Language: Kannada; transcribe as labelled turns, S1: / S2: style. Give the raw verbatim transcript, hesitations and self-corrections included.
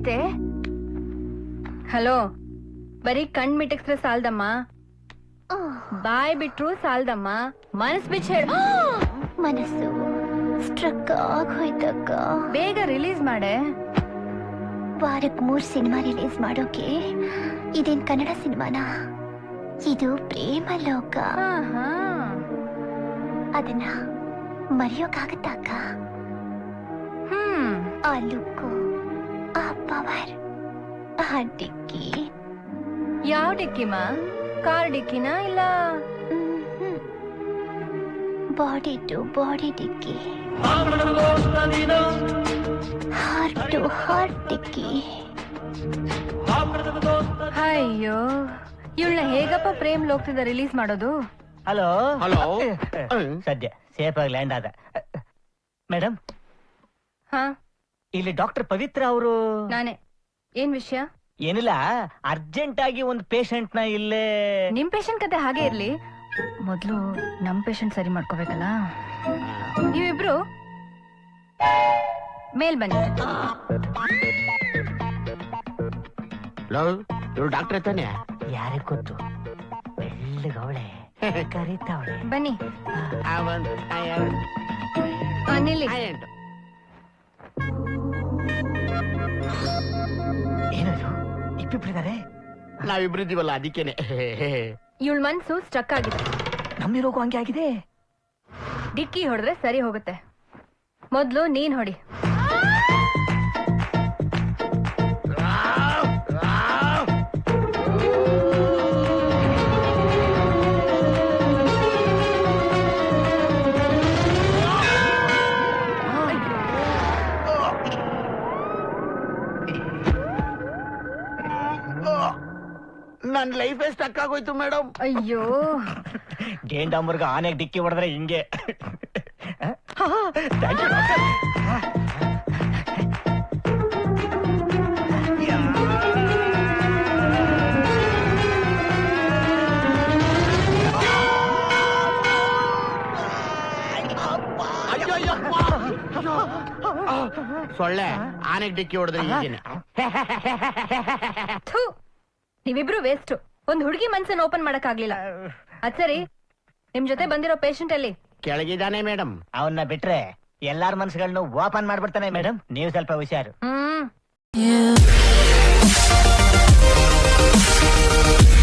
S1: ಅಷ್ಟೇ. ಹಲೋ, ಬರೀ ಕಣ್ ಮಿಟಕ್ಸ್ರೆ ಸಾಲ್ದಮ್ಮ, ಬಾಯ್ ಬಿಟ್ರು ಸಾಲ್ದಮ್ಮ, ಮನಸ್ ಬಿಚ್ಚ ಹೇಳ.
S2: ಮನಸ್ಸು ಸ್ಟ್ರಕ್ ಆಗೋಯ್ತಕ್ಕ.
S1: ಬೇಗ ರಿಲೀಸ್ ಮಾಡೆ.
S2: ವಾರಕ್ಕೆ ಮೂರ್ ಸಿನಿಮಾ ರಿಲೀಸ್ ಮಾಡೋಕೆ ಇದೇನ್ ಕನ್ನಡ ಸಿನಿಮಾನಾ? ಇದು ಪ್ರೇಮ ಲೋಕ. ಅದನ್ನ ಮರೆಯೋಕಾಗತ್ತ ಅಕ್ಕ?
S1: ಹ್ಮ್
S2: ಆ ಲುಕ್ಕು, ಆ ಪವರ್, ಆ ಡಿಕ್ಕಿ.
S1: ಯಾವ ಡಿಕ್ಕಿಮ? ಕಾರ್ ಡಿಕ್ಕಿನ ಇಲ್ಲ
S2: ಬಾಡಿ ಟು ಬಾಡಿ ಡಿಕ್ಕಿ, ಹಾರ್ಟ್ ಟು ಹಾರ್ಟ್ ಡಿಕ್ಕಿ.
S1: ಅಯ್ಯೋ, ಇವಳನ್ನ ಹೇಗಪ್ಪ ಪ್ರೇಮ್ ಲೋಕದಿಂದ ರಿಲೀಸ್ ಮಾಡೋದು?
S3: Hello
S4: hello.
S3: ಸದ್ಯ ಸೇಫ್ ಆಗಿ ಲ್ಯಾಂಡ್ ಆದ. ಮೇಡಮ್,
S1: ಹಾ
S3: ಇಲ್ಲಿ ಡಾಕ್ಟರ್ ಪವಿತ್ರ ಅವರು.
S1: ನಾನೇ. ಏನ್ ವಿಷಯ?
S3: ಏನಿಲ್ಲ, ಅರ್ಜೆಂಟ್ ಆಗಿ ಒಂದು ಪೇಷಂಟ್ ನ ಇಲ್ಲೇ.
S1: ನಿಮ್ ಪೇಷಂಟ್ ಕತೆ ಹಾಗೆ ಇರ್ಲಿ, ಮೊದ್ಲು ನಮ್ ಪೇಷಂಟ್ ಸರಿ ಮಾಡ್ಕೋಬೇಕಲ್ಲ. ನೀವಿಬ್ರು ಮೇಲ್ ಬನ್ನಿ.
S4: ಇವ್ರು ಡಾಕ್ಟರ್ ತಾನೆ?
S3: ಯಾರಿಗೆ ಗೊತ್ತು, ಬೆಳ್ಳಗವಳೆ ಕರೀತಾವಳೆ.
S1: ಬನ್ನಿ. ಆ, ನಿಲ್ಲಿ.
S3: ಏನದು, ಇಬ್ಬಿಬ್ರಿದ್ದಾರೆ?
S4: ನಾವಿಬ್ರಿದ್ದೀವಲ್ಲ ಅದಕ್ಕೇನೆ.
S1: ಇವಳ ಮನ್ಸು ಸ್ಟ್ರಕ್ ಆಗಿದೆ.
S3: ನಮ್ಮಿರೋಗು ಹಂಗೆ ಆಗಿದೆ.
S1: ಡಿಕ್ಕಿ ಹೊಡೆದ್ರೆ ಸರಿ ಹೋಗುತ್ತೆ. ಮೊದ್ಲು ನೀನ್ ಹೊಡಿ.
S4: ನನ್ ಲೈಫ್ ಸ್ಟಕ್ ಆಗೋಯ್ತು ಮೇಡಮ್.
S1: ಅಯ್ಯೋ,
S3: ಗೇಂಡಾಮರ್ಗ ಆನೆಗೆ ಡಿಕ್ಕಿ ಹೊಡೆದ್ರೆ ಹಿಂಗೆ. Thank you doctor.
S4: ಸೊಳ್ಳೆ ಆನೆಗೆ ಡಿಕ್ಕಿ ಹೊಡೆದ್ರೆ ಹೀಗೇನೆ.
S1: ಥು, ನೀವಿಬ್ರು ವೇಸ್ಟ್. ಒಂದ್ ಹುಡುಗಿ ಮನ್ಸನ್ನ ಓಪನ್ ಮಾಡಕ್ ಆಗ್ಲಿಲ್ಲ. ಅದ್ ಸರಿ, ನಿಮ್ ಜೊತೆ ಬಂದಿರೋ ಪೇಷಂಟ್ ಅಲ್ಲಿ?
S4: ಕೆಳಗಿದ್ದಾನೆ ಮೇಡಮ್.
S3: ಅವನ್ನ ಬಿಟ್ರೆ ಎಲ್ಲಾರ ಮನ್ಸುಗಳನ್ನು ಓಪನ್ ಮಾಡ್ಬಿಡ್ತಾನೆ ಮೇಡಮ್. ನೀವು ಸ್ವಲ್ಪ ಹುಷಾರು.
S1: ಹ್ಮ್